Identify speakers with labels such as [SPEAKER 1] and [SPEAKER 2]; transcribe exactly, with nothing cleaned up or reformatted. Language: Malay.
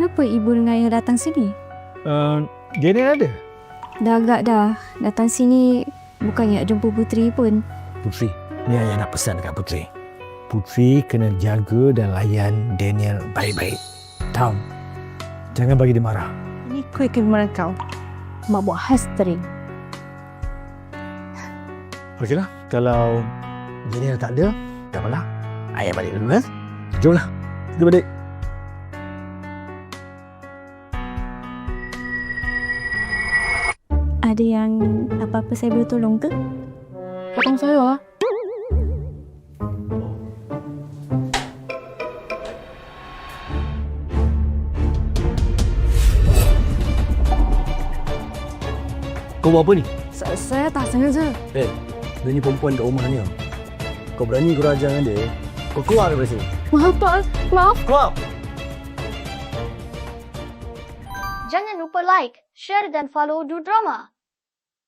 [SPEAKER 1] Kenapa ibu dengan ayah datang sini?
[SPEAKER 2] Uh, Daniel ada?
[SPEAKER 1] Dah agak dah. Datang sini bukannya nak jumpa Puteri pun.
[SPEAKER 2] Puteri, ni ayah nak pesan dekat Puteri. Puteri kena jaga dan layan Daniel baik-baik. Tahu? Jangan bagi dia marah.
[SPEAKER 1] Ini kuih kegemaran kau. Mak buat khas teri.
[SPEAKER 2] Okeylah, kalau Daniel tak ada, tak apalah. Ayah balik dulu, kan? Jomlah, kita balik.
[SPEAKER 1] Ada yang apa-apa saya boleh tolong ke?
[SPEAKER 3] Potong saya lah.
[SPEAKER 4] Kau buat apa ni?
[SPEAKER 3] Saya, saya tak sengaja.
[SPEAKER 4] Eh, dia ni perempuan kat rumah ni. Kau berani kau raja dengan dia, kau keluar daripada sini.
[SPEAKER 3] Maaf Pak, maaf.
[SPEAKER 4] Keluar!
[SPEAKER 5] Jangan lupa like, share dan follow Du Drama.